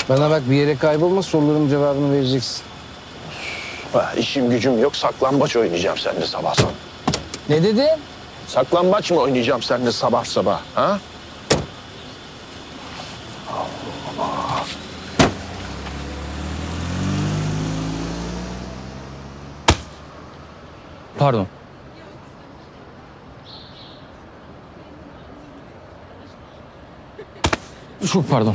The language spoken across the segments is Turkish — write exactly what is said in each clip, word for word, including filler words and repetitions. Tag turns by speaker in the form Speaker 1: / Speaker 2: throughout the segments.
Speaker 1: Bana bak, bir yere kaybolma, soruların cevabını vereceksin.
Speaker 2: Ha, işim gücüm yok, saklambaç oynayacağım seninle sabah sabah.
Speaker 1: Ne dedin?
Speaker 2: Saklambaç mı oynayacağım seninle sabah sabah? Ha?
Speaker 3: Pardon. Çok pardon.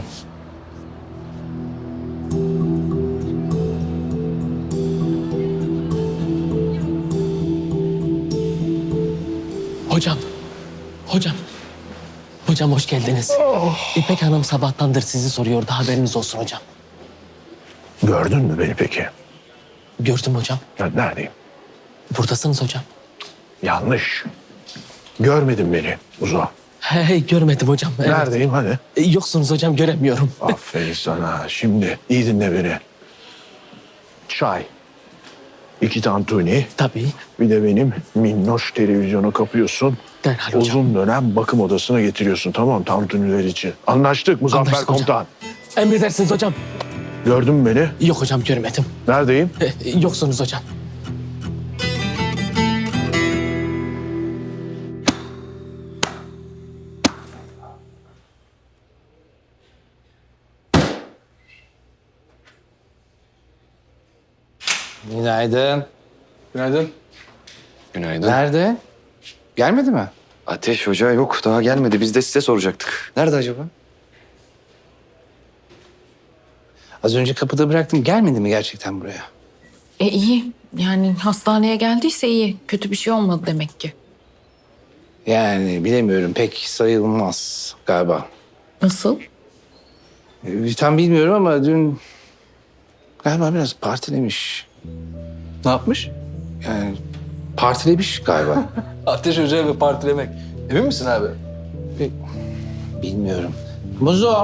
Speaker 4: Hocam, hocam. Hocam hoş geldiniz. İpek Hanım sabahtandır sizi soruyordu, haberiniz olsun hocam.
Speaker 2: Gördün mü beni peki?
Speaker 4: Gördüm hocam.
Speaker 2: Ben neredeyim?
Speaker 4: Buradasınız hocam.
Speaker 2: Yanlış. Görmedin beni Uzo.
Speaker 4: Hey, hey görmedim hocam. Evet.
Speaker 2: Neredeyim hani?
Speaker 4: E, Yoksunuz hocam, göremiyorum.
Speaker 2: Aferin sana. Şimdi iyi dinle beni. Çay. İki tantuni.
Speaker 4: Tabii.
Speaker 2: Bir de benim minnoş televizyonu kapıyorsun.
Speaker 4: Derhal hocam.
Speaker 2: Uzun dönem bakım odasına getiriyorsun, tamam mı? Tantuniler için. Anlaştık Muzaffer
Speaker 4: Anlaştık hocam.
Speaker 2: Komutan.
Speaker 4: Emredersiniz hocam.
Speaker 2: Gördün mü beni?
Speaker 4: Yok hocam, görmedim.
Speaker 2: Neredeyim?
Speaker 4: E, Yoksunuz hocam.
Speaker 1: Günaydın.
Speaker 3: Günaydın.
Speaker 5: Günaydın.
Speaker 1: Nerede? Gelmedi mi?
Speaker 5: Ateş Hoca yok, daha gelmedi. Biz de size soracaktık. Nerede acaba?
Speaker 1: Az önce kapıda bıraktım. Gelmedi mi gerçekten buraya?
Speaker 6: E iyi. Yani hastaneye geldiyse iyi. Kötü bir şey olmadı demek ki.
Speaker 1: Yani bilemiyorum. Pek sayılmaz galiba.
Speaker 6: Nasıl?
Speaker 1: Ee, tam bilmiyorum ama dün galiba biraz partilemiş.
Speaker 3: Ne yapmış?
Speaker 1: Yani partilemiş galiba.
Speaker 3: Ateş Hoca ve partilemek. Emin misin abi?
Speaker 1: Bilmiyorum. Muzo.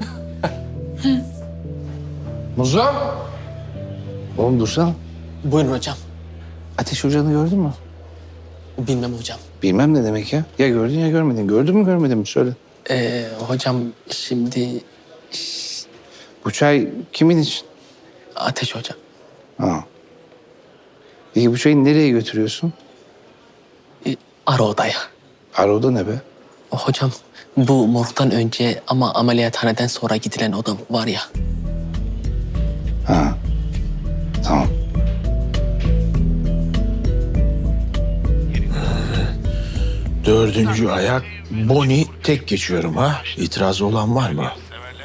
Speaker 1: Muzo. Oğlum dursana.
Speaker 4: Buyurun hocam.
Speaker 1: Ateş Hoca'nı gördün mü?
Speaker 4: Bilmem hocam.
Speaker 1: Bilmem ne demek ya. Ya gördün ya görmedin. Gördün mü görmedin mi? Söyle.
Speaker 4: E, hocam şimdi
Speaker 1: Bu çay kimin için?
Speaker 4: Ateş hocam.
Speaker 1: Ha. Peki bu çayı nereye götürüyorsun?
Speaker 4: E, ara odaya.
Speaker 1: Aroda ne be?
Speaker 4: Hocam bu morgdan önce ama ameliyathaneden sonra gidilen oda var ya.
Speaker 1: Ha. Tamam.
Speaker 2: Dördüncü ayak Boni tek geçiyorum ha. İtirazı olan var mı?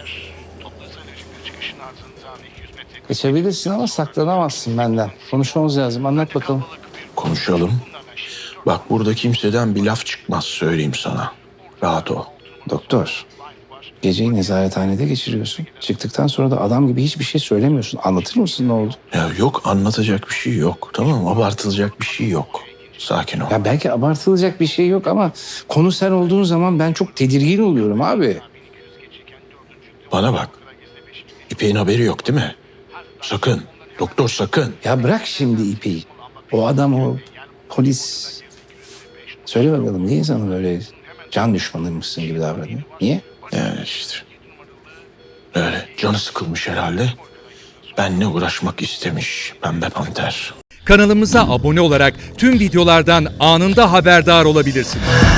Speaker 1: Geçebilirsin ama saklanamazsın benden. Konuşmamız lazım. Anlat bakalım.
Speaker 2: Konuşalım. Bak burada kimseden bir laf çıkmaz, söyleyeyim sana. Rahat ol.
Speaker 1: Doktor. Geceyi nezarethanede geçiriyorsun. Çıktıktan sonra da adam gibi hiçbir şey söylemiyorsun. Anlatır mısın ne oldu?
Speaker 2: Ya yok, anlatacak bir şey yok. Tamam mı? Abartılacak bir şey yok. Sakin ol.
Speaker 1: Ya belki abartılacak bir şey yok ama konu sen olduğun zaman ben çok tedirgin oluyorum abi.
Speaker 2: Bana bak. İpek'in haberi yok değil mi? Sakın. Doktor sakın.
Speaker 1: Ya bırak şimdi ipi. O adam o polis. Söyle bakalım niye sana böyle can düşmanıymışsın gibi davranıyor? Niye?
Speaker 2: Yani işte. Öyle canı sıkılmış herhalde. Benle uğraşmak istemiş Pembe Panter.
Speaker 7: Kanalımıza abone olarak tüm videolardan anında haberdar olabilirsiniz.